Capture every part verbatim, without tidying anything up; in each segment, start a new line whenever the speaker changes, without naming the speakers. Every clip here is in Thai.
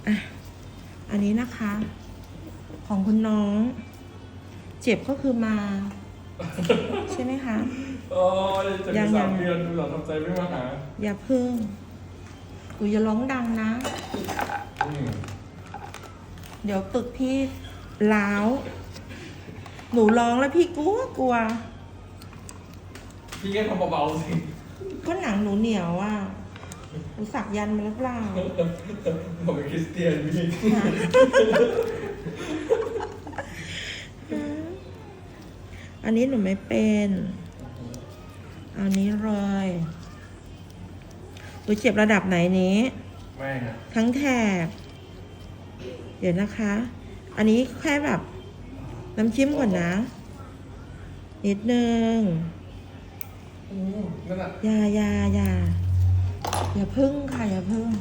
อ่ะอันนี้นะคะ ของคุณน้อง เจ็บก็คือมา ใช่ไหมคะ
โอ้ยจะมีสามเดือนดูหรอทำใจไม่มาหา
อย่าพึ่งกูอย่าร้องดังนะ
อืม
เดี๋ยวตึกพี่ล้าว หนูร้องแล้วพี่กลัวกลัว
พี่แค่ทำเบาๆสิ
ก็หนังหนูเหนียวอ่ะหนูสักยันต์มาหรือเปล่า
ผมเป็นคริสเตียนพี่
อันนี้หนูไม่เป็นเอานี้เลยหนูเจ็บระดับไหนนี้
ไม่นะ
ทั้งแถบ เดี๋ยวนะคะ อันนี้แค่แบบ น้ำจิ้มก่อนนะ นิดนึง
อืมนั่นแหละ
อย่าอย่าอย่าอย่าพึ่งค่ะอย่าพึ่ง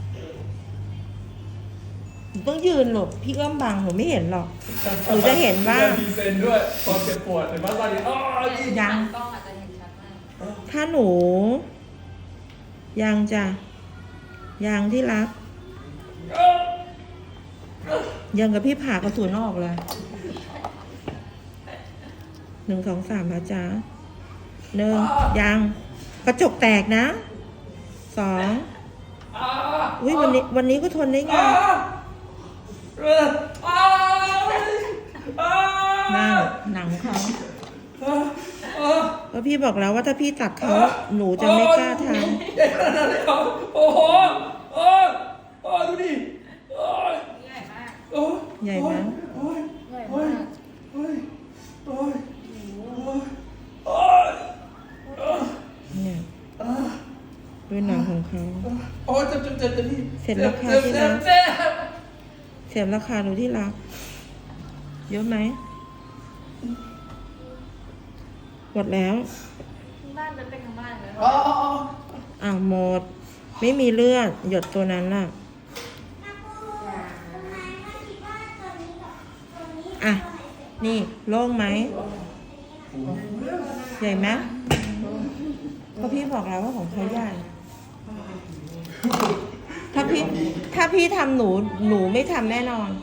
หนูต้องยืนหลบพี่เอื้อมบังหนูไม่เห็นหรอก หนูจะเห็นว่า
มีเซนด้วยความเจ็บปวดเห็นไหมตอนนี้อ๋อ
ยัง
กล้องอาจจะเห็นชัดมาก
ถ้าหนู ยังจะยังที่รัก ยังกับพี่ผ่ากระสุนออกเลย หนึ่งสองสามนะจ๊ะหนึ่งยัง กระจกแตกนะ สอง
อ่า
อุ้ยวันนี้ วันนี้ก็ทนได้ไง
อ่าเอออ่าอ่า
นั่งหนังเขา
อ่าอ่า
เพราะพี่บอกแล้วว่าถ้าพี่ตัดเขาหนูจะไม่กล้าท
ใหญ่ขนาดนั้นเลยเหรอโอ้โหโอ้ยโอ้ยดูดิโอ้ย
ใหญ่มาก
โอ้ย
ำใหญ่ไหม
โอ้ย
ใหญ่
โอ้
มาย ก
โอ้ยโอ้ยโอ้ยโอ้ยโอ้ย
เนี่ย
อ่า
ด้วยหนังของเขา
โอ้ยเจ็บเจ็บเจ็บเจ็บพี่
เสร็จแล้วค่ะ
เจ็บ
ที่
เจ็
รั
บ
ก
เจ็บ
เสียราคาหนูที่รัก เยอะไหมหมดแล้ว
บ้านเป็นเป็นทั้งบ้านเลย
อ๋ออ๋ออ๋อ
อ่าหมด ไม่มีเลือด หยดตัวนั้นน่ะ อ่ะ นี่โล่งไหม ใหญ่ไหมก็พี่บอกแล้วว่าของเขาใหญ่ ถ้าพี่ ถ้าพี่ทำหนู หนูไม่ทำแน่นอน